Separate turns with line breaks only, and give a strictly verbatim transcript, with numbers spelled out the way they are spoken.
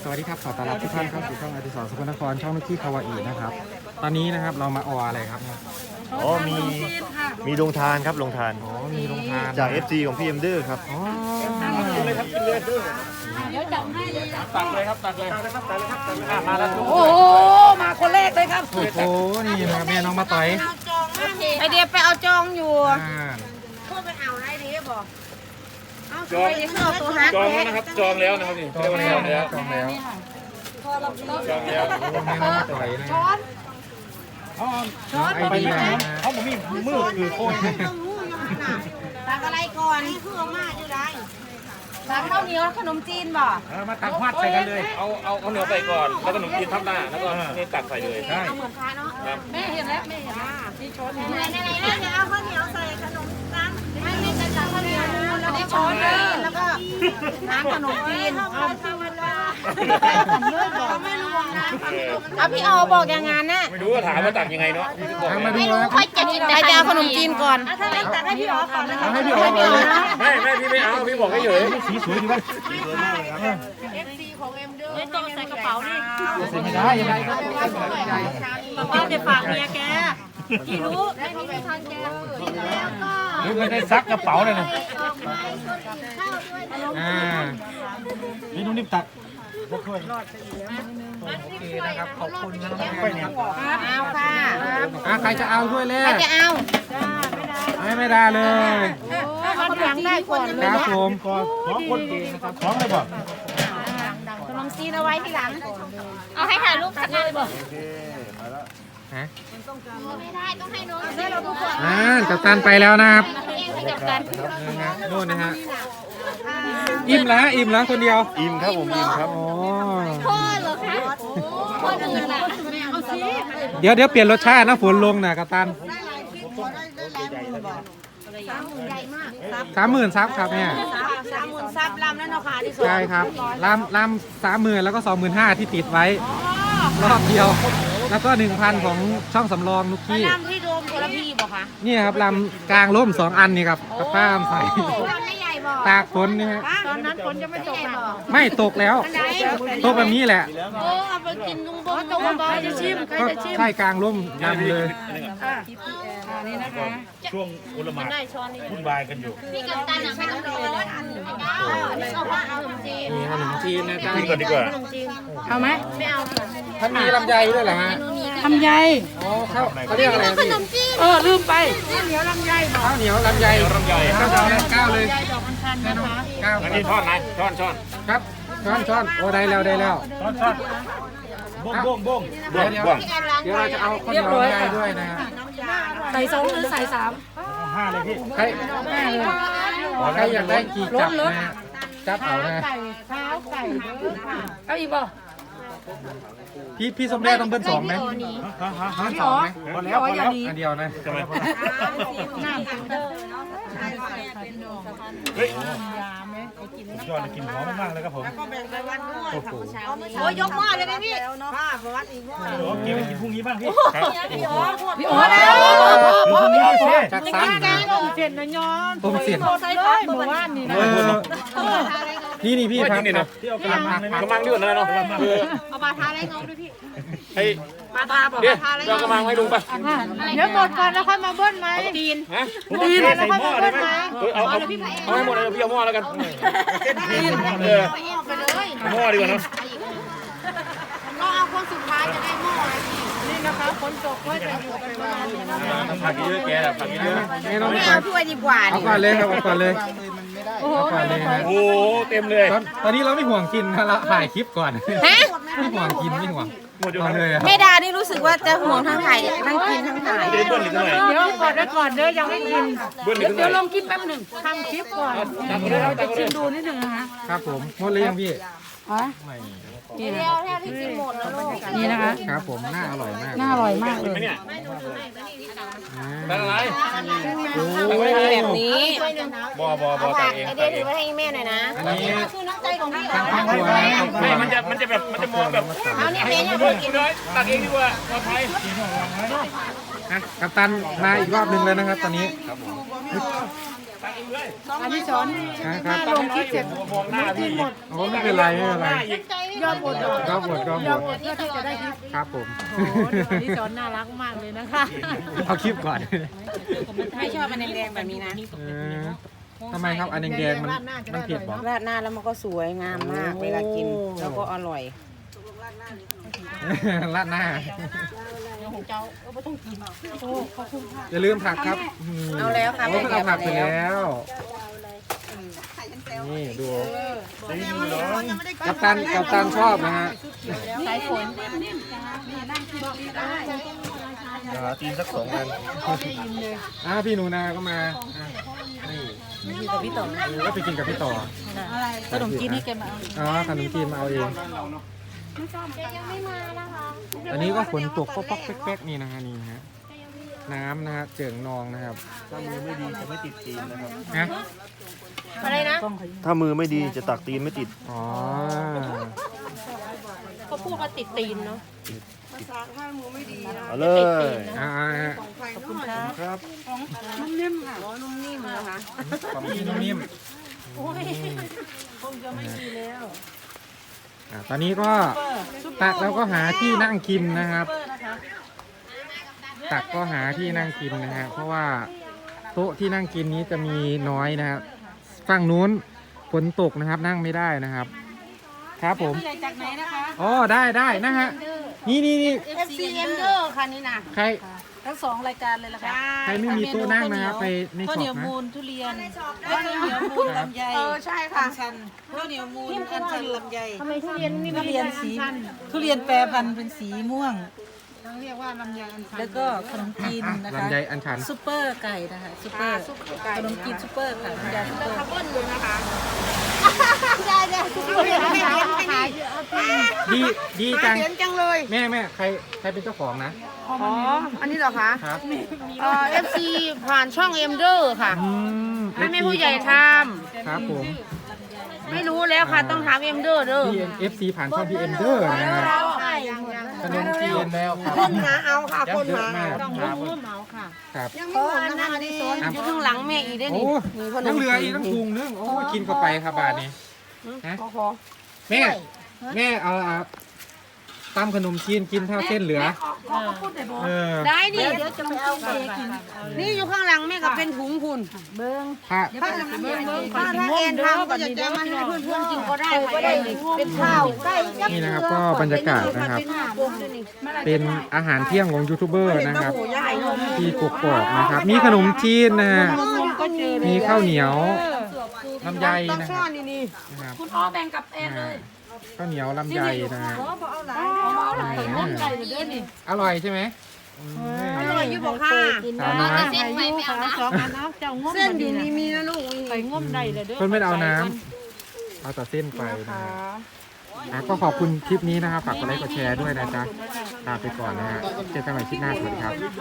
สวัสดีครับขอต้อนรับทุกท่านเข้าสู่ช่องอดิศรสกลนครช่องนุกกี้คาวาอีนะครับตอนนี้นะครับเรามาอออะไรครับเนี่ย
อ๋อมีมีลงทานครับลงทาน
อ๋อมีโรงทาน
จาก เอฟ ซี ของพี่เอ็มเดอร์ครับ
อ๋อ
เดี๋ยวจับให้เลย
ตักเลยครับตักเลยตักเลยครับตักเลยครับตักเลยครับมาแล้ว
โอ้โหมาคนแรกเลยครับ
โอ้โหนี่นะครับแม่น้องมาต่อย
ไอเดียไปเอาจองอยู่
อ่า
พูดไปเอาไรดีบอกเอาช่วยดิเอาตัวฮัก
จองแล้วนะครับจองแล้วนะครับนี่
จองแล้วจองแล้ว
จองแล้ว
โอ้แม่น้องมาต่อยนะ
ช้อน
ช้อนไอเดียนะ
เขาบอกมีมือคือโค้ย
ตักอะไรก่อนนี่คือเอามาอยู่ไรตักข้าวเหนียวขนมจีนบ่
มาตักหัดใส่กันเลยเอาเอาเอาเนื้อใส่ก่อนแล้วก็ขนมจีนทับหน้าแล้วก็นี่ตักใส่เลยใช่
เอาเหมือนค้าเนาะ
ครับ
แม่เห็นแล้วแม่เห็นแล้วที่ช้อนไหนไหนไหนแม่จะเอาข้าวเหนียวใส่ขนมจีนไม่ไม่จะตักข้าวเหนียวแล้วก็ช้อนแล้วก็น้ำขนมจีนเอาธรรมดาไม่รู้นะเอาพี่ออบอกอย่างงั้นน่ะ
ไม่รู้ว่าถามว่าตักยังไงเนาะ
ทางมาดูนะ
ค่อยจะกินแต่จะเอาขนมจีนก่อนถ้างั้นตักให้พี่ออก่อนนะ
เอาให้พี่ออกเลยนะ
ไม่ไม่พี่ไม่เอาพี่บอกให้เฉยสีสวยดีวะ
ไม่ต้องใส่กระเป๋านี่
ไม่ได้ยังไงก็
บอกว่าจะฝากเมียแกกี่รู้ไม่มีทางแกแล้วก็
หรือไม่ได้ซักกระเป๋าเลยนะ
อ่า
นี่นุ่มนิ่มตัก
โอเคนะครับขอบคุณนะน้องแม่นะครับ
เอาค่ะ
อ่ะใครจะเอาด้วยเลย
ใครจะเอา
ไม่ไม่ได้เลย
เอาหลังได้ก่อนเลย
ครับผม
สองคนดีนะครับสองเลยบอก
ขนมจีนเอาไว้ที่หลัง เอาให้ถ่ายรูปกันเลยบอก
ฮะ
ไม่ได้ต้องให้น้องให้เราทุกคน
อ่ากัปตันไปแล้วนะครับ
เองให้กับการ
นะฮะนู่นนะฮะอิ่มแล้วอิ่มแล้วคนเดียว
อิ่มครับผมอิ่มครับ
อ๋อ
พ่อเหรอคะพ่ออื่นล่ะเอาสิ
เดี๋ยวเดี๋ยวเปลี่ยนรสชาตินะฝนลงนะกัปตัน
ใหญ่มาก
สามหมื่นซับครับเนี่ย
สามหมื่นซับลำแล้วเนาะค่ะที่สุด
ใช่ครับลำลำสามหมื่นแล้วก็สองหมื่นห้าที่ติดไว้รอบเดียว แล้วก็หนึ่งพันของช่องสำรองนุกกี้
ลำที่โดมโคลพีบอกค่ะ
นี่ครับลำกลางร่มสองอันนี่ครับกับป้ามใส่
ลำไม่ใหญ่บอก
ตากฝนนี่ฮะ
ตอนนั้นฝนจะไม่ตกหรอ
ไม่ตกแล้วตกแบบนี้แหละ
โอ้เอาไปกินลุงบงลุงบงจะชิมใคร
ก็
จะชิม
ใช่กลางร่มยำเลย
นี่นะคะ
ช่วงอุลหมาดวุ่นวายกันอยู่
พี่กับตันอ่ะไม่ต้องเลยนี่เอาว่าเอาขนมจีน
มีขนมจีนนะจ๊ะ
กินก่อนดีกว่า
เอาไหมไม่เอา
ท่านมีลำไยด้วยเหรอฮะ
ทำใย
อ๋อเขาเขาเรียกอะไรพี่
เออลืมไปเหนียวลำไยบอก
ข้าวเหนียวลำไย
ลำไย
ข้าวเหนียวก้าวเลย
ดอกอัญชัน
แม่
นะ
น้อง
คะ
ก้าว
อันนี้ช้อนไหนช้อนช้อน
ครับช้อนช้อนโอ้ได้แล้วได้แล้ว
ช้อนช้อนบ้งบ้งบ้ง
เดี๋ยวเดี๋ยวเดี๋ยวเราจะเอาข้าวเหนียวลำไยด้วยนะฮะ
ใส่สองหรือใส่สาม
ห้าเลยพี่
ใครใครอยากได้กี่จับนะฮะจับเอานะ
ไก่เท้าไก่เอาอีกบ่
พี่พี่สมเด็จต้องเบิ้ลสองไหม
ฮะ
เบิ้ลสองไหม
พอแล้วพอแล้ว
อันเดียวนะ
ทำไม
น้ำ
เฮ้ยยอดกินหอมมากเลยครับผม
โอ้โห
โอ้ยยกหม้อเลยไหมพี่ป้าประวัติอีกหม้อ
เดี๋ยวเก็บไปกินพรุ่งนี้บ้างพี่
พี่อ๋อพี่อ๋อแล้ว
พรุ่งนี้ไม่ใช่
จัดซ้ำนะ
เจ็ดนะย้อน
ต้มเสียน
ใส่เลยหมู่บ้านนี่
เออนี่นี่พี่ครับ
นี่นะที่เอากระมังกระมังด้วยนะเนาะคือ
เอาปลาทาได้งบด้วยพี่
ไอ้
ปลาทาบอก
เดี๋ยวเรากระมังให้ลุงไป
เดี๋ยวหมดก่อนแล้วค่อยมาเบิ้ลไหมดีน
ฮะ
ดีนแล้วค่อยมาเบิ้ลไหม
เอาเอาเอาให้หมดเลยพี่เอาหม้อแล้วกันเออ
ไปเลย
หม้อดีกว่าเนาะ
เราเอาคนสุดท้ายจะได้หม้อนี่นะคะคนตกก็จะอยู่กันประมาณนี้นะคะ
ผักเยอะแกแหละผักเยอะ
ไม่ต้อง
ไม่
ไป
เอาถ้วยดีกว่า
เอาก่อนเลยครับเอาก่อนเลยเอาก่อนเลยนะ
โอ้เต็มเลย
ตอนตอนนี้เราไม่ห่วงกินนะเราถ่ายคลิปก่อน
ฮะ
ไม่ห่วงกินไม่ห่วง
หมดอยู่
เอา
เล
เลย ยอะ
แม่ดานี่รู้สึกว่าจะห่วงทั้งถ่ายทั้งกินทั้งถ่าย
เดี๋ยวเบิ้ลอีกหน่อย
เดี๋ยวก่อนได้ก่อนเด้อยังไม่กิน
เบิ้ลอีกหน่
เดี๋
อ
วย ลงคลิปแป๊บหนึ่งทำคลิปก่อนเดี๋ยวเราจะชิมดูนิดหนึ่งนะคะ
ครับผมหมดเลยยังพี่
อ๋อ
ไม่
นี่นะนี่นะคะ
ครับผมน่าอร่อยมาก
น่าอร่อยมากเลย
ไม่เนี่ย
อ่า
ตั้งอะไร
โอ้
แบบนี้
บอบอบอตักเอง
ไอเดียถือไว้ให้แม่หน่อยนะ
อันนี้
คือน้ำใจของพี่
ทางครอบครัวนะครอบครั
ไม่
ว
มันจะมันจะแบบมันจะมองแบบ
เอาเนี่ยแม่ยัง
เฮ้ยคุณน้อยตักเองดีกว่าปลอดภัย
นะกัปตันมาอีกรอบหนึ่งแล้วนะครับ ตอนนี้
ตัก
อันนี้ช้อน
ครับ
ลงคลิปเสร็จ
มองหน้าพี่
โอ้ไม่เป็นไรไม่เป็นไร
ยอดหมด
ก็หมดก็หมด
เพื่อที่จะได้คลิป
ครับผม
โอ้โหอันนี้ช้อนน่ารักมากเลยนะคะ
เอาคลิปก่อน
ไม่ชอบมันแดงๆแบบนี้นะ
เออทำไมครับอันแดงๆมันมันเผ็ดบอก
ราดหน้าแล้วมันก็สวยงามมากเวลากินแล้วก็อร่อย
ราดหน้าอย่าลืมผักครับ
เอาแล้วค่ะ
โอ้เอาผักไปแล้ว นี่ดูกัปตันกัปตันชอบนะฮะ
สายฝน
หาตีนสักสองอัน
อ่าพี่หนูนาก็มาอ่ะนี่
มีกับพี่ต่อ
เออก็ไปกินกับพี่ต่อ
ขนมจีนนี่แกมาเอา
อ๋อขนมจีนมาเอาเอง อันนี้ก็ฝนตกก็ป๊อกแป๊กๆนี่นะฮะนี่ฮะน้ำนะฮะเจิ่งนองนะครับ
ถ้ามือไม่ดีจะไม่ติดตีนนะครับ
ฮะ
อะไรนะ
ถ้ามือไม่ดีจะตักตีนไม่ติด
อ๋อ
เขาพูดว่าติดตีนเนาะ
เอาเลย
อ่า
ขอบคุณครับ
ครับ
นุ่มนิ่มค่ะอ๋อนุ่มนิ่มเหรอคะ
ความที่นิ่ม
โอ้ยคงจะไม่ดีแล้ว
ๆอ่าตอนนี้ก็ตักแล้วก็หาที่นั่งกินนะครับ ตักก็หาที่นั่งกินนะฮะเพราะว่าโต๊ะที่นั่งกินนี้จะมีน้อยนะครับฝั่งนู้นฝนตกนะครับนั่งไม่ได้นะครับ ครับผม
ผู้ใหญ่จากไหนนะคะ
อ๋อได้ได้นะฮะนี่นี่นี่
เอฟซีเอ็มเดอร์ค่ะนี่นะ
ใคร
ทั้งสองรายการเลยละค่ะ
ใครไม่มีโต๊ะนั่งนะครับไปใน
ข้าว
ช็
เหนี
อ
ยว
ปนะ
มูลทุเรียนข้าวเหนียวมูลลำไย
เออใช่ค่ะ
อัญชันข้าวเหนียวมูลอัญชันลำไย
ทำไมทุเรียนนี่
ทุ
มัน
เรียนสีทุเรียนแปรพันธุ์เป็นสีม่วง
เรียกว่าลำไยอันชัน
แล้วก็ขนมจีน
อ่ะ
นะคะ
ลำไยอันชัน
ซุปเปอร์ไก่นะคะซุปเปอร์ขนมจีนซุปเปอร์ค่ะคุณยายซุปเปอร์
ข้าวต้นอยู่นะคะ
ได้ได้ทุกคน
ไม่เห็นไม่เห็น
ดีดีจัง
เห็นจังเลย
แม่แม่ใครใครเป็นเจ้าของนะ
อ๋ออันนี้เหรอคะ
ครับ
เอ่อฟซีผ่านช่องเอ็มเดอร์ค่ะ
อืม
ให้แม่ผู้ใหญ่ท
ครับผม
ำไม่รู้แล้วค่ะต้องถามเอ็มเดอร์เด้อ
พีเอ็มเอฟซีผ่านช่องพีเอ็มเดอร์นะฮะ
ใช่ยังยัง
ขนมจีนแล้วครับ
คนหาเอาค่ะ
ยั
ค
ง
น
เยอะ
หาม
าก
ต้อง
ครับ
ร่วมเหมาค่ะ
ครับ
ยังไม่หมดนะคะนี่อยู่ข้างหลังแม่อีกได้
โอ้
นี่
ยังเหลืออีกตั้งถุงนึงโอ้กินเข้าไปครับบาทนี้ฮะ
โอ้โห
แม่แม่เอาอ่ะตำขนมจีนกินเท่าเส้นเหลือเออ
ได้นี่
เดี๋ยวจะมาเอาไปกิน
นี่อยู่ข้างหลังแม่ก็เป็นถุงคุณ
เบิ้ง
ผ้า
ถ้าถ้าถ้าแอนทำก็จะจะมาให้เพื่อนๆกินก็ได้ค่ะเป็นข้าวไก่ยักษ์
นี่นะครับก็บรรยากาศนะครับ เป็นอาหารเที่ยงของยูทูบเบอร์นะครับ ที่กกอกนะครับ มีขนมจีนนะฮะ
ก็เจอ
มีข้าวเหนียวลำไย
ต้อง
นะค
ซ่อ
รับ
นนี่นี่
นะครับ
คุณพ่อแบ่งกับเอ็นเลย
ข้าวเหนียวลำไยนะฮะ
เอาหลังไปน้ำไก่เลยเด้อนี่
อร่อยใช่ไหม
อร่อยอยู่บอกค่ะ
สาวน้อย
เส้นไปไม่เอานะสองอันเนาะเจ้างม
เส้นอยู่นี่มีนะลูก
ไปงมได้เลยเด้อ
เพิ่นไม่ได้เอาน้ำเอาแต่เส้นไปนะฮะอ่ะก็ขอบคุณคลิปนี้นะครับฝากกดไลค์กดแชร์ด้วยนะจ๊ะลาไปก่อนนะฮะเจอกันใหม่คลิปหน้าสวัสดีครับ